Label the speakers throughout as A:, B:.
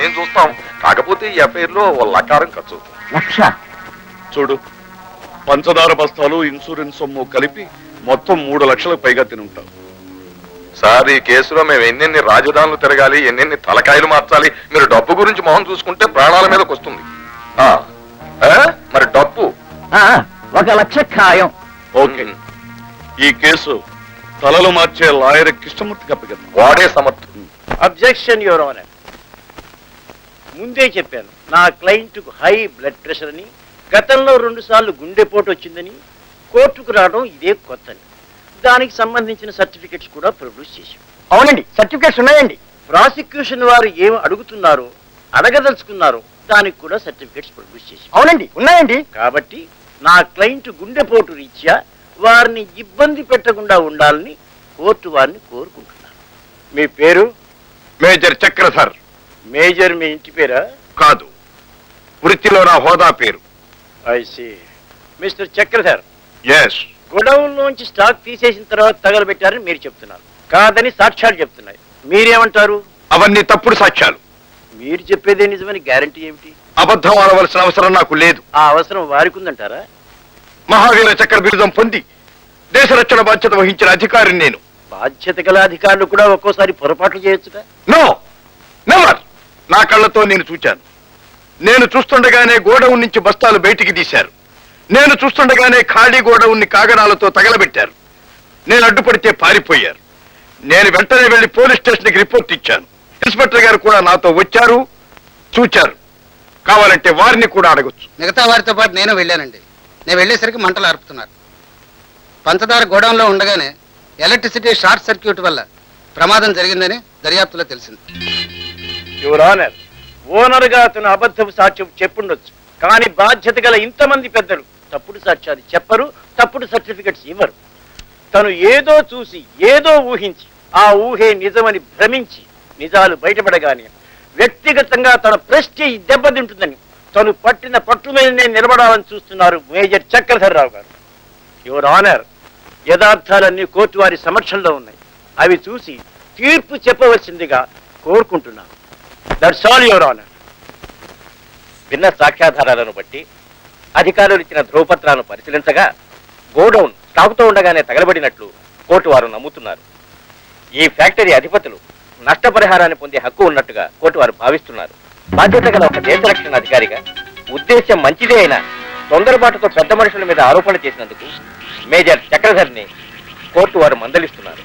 A: మేము చూస్తాం. కాకపోతే ఈ ఎఫ్ఐఆర్ లో లకారం ఖర్చు అవుతుంది.
B: లక్ష
A: చూడు, పంచదార బస్తాలు ఇన్సూరెన్స్ సొమ్ము కలిపి మొత్తం 3 లక్షలకు పైగా తినుంటాం. సార్, ఈ కేసులో మేము ఎన్నెన్ని రాజధానులు తిరగాలి, ఎన్నెన్ని తలకాయలు మార్చాలి. మీరు డబ్బు గురించి మొహం చూసుకుంటే ప్రాణాల మీదకి వస్తుంది. మరి డబ్బు
B: 1 లక్ష ఖాయం.
A: ఓకే, ఈ కేసు తలలు మార్చే లాయర్ కృష్ణమూర్తికి అప్పగిద్దాం. వాడే సమర్థుడు.
C: Objection your honour. ముందే చెప్పాను, నా క్లయింట్కు హై బ్లడ్ ప్రెషర్ అని, గతంలో 2 సార్లు గుండెపోటు వచ్చిందని, కోర్టుకు రావడం ఇదే కొత్తని. దానికి సంబంధించిన సర్టిఫికెట్స్ కూడా ప్రొడ్యూస్ చేశాం.
B: అవునండి, సర్టిఫికేట్స్ ఉన్నాయండి.
C: ప్రాసిక్యూషన్ వారు ఏమి అడుగుతున్నారో, అడగదలుచుకున్నారో దానికి కూడా సర్టిఫికెట్స్ ప్రొడ్యూస్ చేశాం.
B: అవునండి, ఉన్నాయండి.
C: కాబట్టి నా క్లయింట్ గుండెపోటు రీత్యా వారిని ఇబ్బంది పెట్టకుండా ఉండాలని కోర్టు వారిని కోరుకుంటున్నాను. మీ పేరు?
A: మేజర్ చక్రధర్.
C: మేజర్ మీ ఇంటి పేరా?
A: కాదు, వృత్తిలో నా హోదా పేరు.
C: I see. Mister Chakradhar,
A: yes.
C: Godown లోంచి స్టాక్ తీసేసిన తర్వాత తగలబెట్టారని మీరు చెప్తున్నారు. కాదని సాక్ష్యాలు చెప్తున్నాయి. మీరేమంటారు?
A: అవన్నీ తప్పుడు సాక్ష్యాలు.
C: మీరు చెప్పేదే నిజమని గ్యారంటీ ఏమిటి?
A: అబద్ధం ఆడవలసిన అవసరం నాకు లేదు.
C: ఆ అవసరం వారికి ఉందంటారా?
A: మహావీర చక్ర బిరుదం పొంది దేశ రక్షణ బాధ్యత వహించిన అధికారిని నేను.
C: బాధ్యత గల అధికారులు కూడా ఒక్కోసారి పొరపాట్లు చేయొచ్చుగా?
A: No, never. నా కళ్ళతో నేను చూచాను. నేను చూస్తుండగానే గోడౌన్ నుంచి బస్తాలు బయటికి తీశారు. నేను చూస్తుండగానే ఖాళీ గోడౌన్ని కాగడాలతో తగలబెట్టారు. నేను అడ్డుపడితే పారిపోయారు. నేను వెంటనే వెళ్లి పోలీస్ స్టేషన్కి రిపోర్ట్ ఇచ్చాను. ఇన్స్పెక్టర్ గారు కూడా నాతో వచ్చారు, చూచారు. కావాలంటే వారిని కూడా అడగొచ్చు.
D: మిగతా వారితో పాటు నేను వెళ్ళానండి. నేను వెళ్ళేసరికి మంటలు ఆర్పుతున్నారు. పంచదార గోడౌన్లో ఉండగానే ఎలక్ట్రిసిటీ షార్ట్ సర్క్యూట్ వల్ల ప్రమాదం జరిగిందని దర్యాప్తులో తెలిసింది.
C: యువర్ ఆనర్, ఓనర్ గా అతను అబద్ధపు సాక్ష్యం చెప్పుండొచ్చు, కానీ బాధ్యత గల ఇంతమంది పెద్దలు తప్పుడు సాక్ష్యాలు చెప్పరు, తప్పుడు సర్టిఫికెట్స్ ఇవ్వరు. తను ఏదో చూసి ఏదో ఊహించి ఆ ఊహే నిజమని భ్రమించి నిజాలు బయటపడగానే వ్యక్తిగతంగా తన ప్రెస్టీజ్ దెబ్బతింటుందని తను పట్టిన పట్టు మీదనే నిలబడాలని చూస్తున్నారు మేజర్ చక్రధర్ రావు గారు. యువర్ ఆనర్, యథార్థాలన్నీ కోర్టు వారి సమక్షంలో ఉన్నాయి. అవి చూసి తీర్పు చెప్పవలసిందిగా కోరుకుంటున్నాను. That's all your honour. విన్న సాక్ష్యాధారాలను బట్టి అధికారులు ఇచ్చిన ధ్రువపత్రాలను పరిశీలించగా గోడౌన్ స్టాకుతో ఉండగానే తగలబడినట్లు కోర్టు వారు నమ్ముతున్నారు. ఈ ఫ్యాక్టరీ అధిపతులు నష్టపరిహారాన్ని పొందే హక్కు ఉన్నట్టుగా కోర్టు వారు భావిస్తున్నారు. బాధ్యత గల ఒక దేశ రక్షణ అధికారిగా ఉద్దేశ్యం మంచిదే అయినా తొందరపాటుతో పెద్ద మనుషుల మీద ఆరోపణ చేసినందుకు మేజర్ చక్రధర్ని కోర్టు వారు మందలిస్తున్నారు.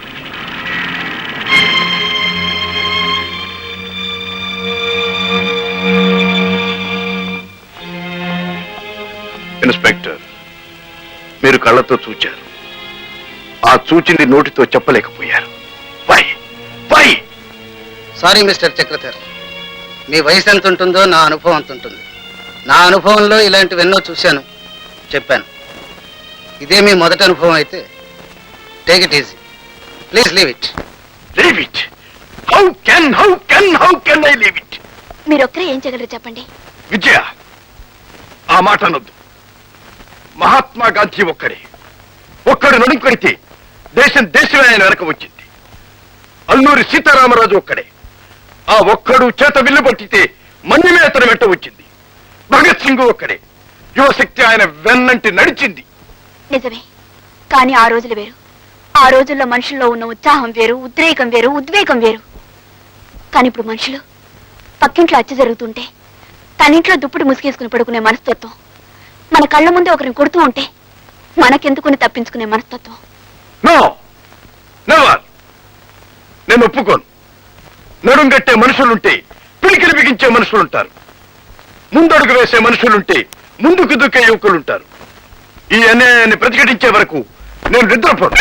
A: ఇన్స్పెక్టర్, మీరు కళ్ళతో చూచారు. ఆ చూచింది నోటితో చెప్పలేకపోయారు. Why why?
D: Sorry mister Chakradhar, మీ వయసు ఎంత ఉంటుందో నా అనుభవం అంత ఉంటుంది. నా అనుభవంలో ఇలాంటివెన్నో చూశాను, చెప్పాను. ఇదే మీ మొదటి అనుభవం అయితే take it easy. Please leave it.
A: Leave it? How can I leave it?
E: మీరొక్కరే ఏం చేయగలరు చెప్పండి.
A: విజయ, ఆ మాట అనొద్దు. మహాత్మా గాంధీ ఒక్కడు నడుంకొడితే దేశమే ఆయన వెనక వచ్చింది. అల్లూరి సీతారామరాజు ఒక్కడే. ఆ ఒక్కడు చేత విల్లు పట్టితే మన్యమే అతను వెంట వచ్చింది. భగత్ సింగ్ ఒక్కడే. యువశక్తి ఆయన వెన్నంటి నడిచింది.
E: నిజమే, కానీ ఆ రోజులు వేరు. ఆ రోజుల్లో మనుషుల్లో ఉన్న ఉత్సాహం వేరు, ఉద్రేకం వేరు, ఉద్వేగం వేరు. కానీ ఇప్పుడు మనుషులు పక్కింట్లో హత్య జరుగుతుంటే తనింట్లో దుప్పటి ముసుగేసుకుని పడుకునే మనస్తత్వం, మన కళ్ళ ముందే ఒకరిని కొడుతూ ఉంటే మనకెందుకుని తప్పించుకునే మనస్తత్వం.
A: నేను ఒప్పుకోను. నడుంగట్టే మనుషులుంటే పిడికిలు బిగించే మనుషులుంటారు. ముందడుగు వేసే మనుషులుంటే ముందుకు దుక్కే యువకులుంటారు. ఈ అన్యాయాన్ని ప్రతిఘటించే వరకు నేను నిద్రపోను.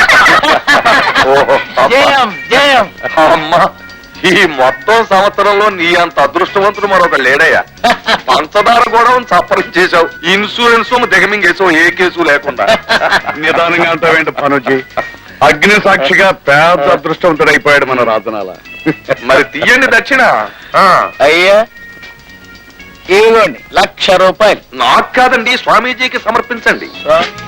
A: ఈ మొత్తం సంవత్సరంలో నీ అంత అదృష్టవంతుడు మరొక లేడయ్యా. పంచదార కూడా చప్పరం చేశావు, ఇన్సూరెన్స్ దిగమింగేసావు, ఏ కేసు లేకుండా. నిదానంగా అంటావేంటి పనుజీ? అగ్ని సాక్షిగా పేద అదృష్టవంతుడు అయిపోయాడు మన రాజనాల. మరి తీయండి దక్షిణ.
C: అయ్యా ఇవ్వండి, 1,00,000 రూపాయలు.
A: నాకు కాదండి, స్వామీజీకి సమర్పించండి.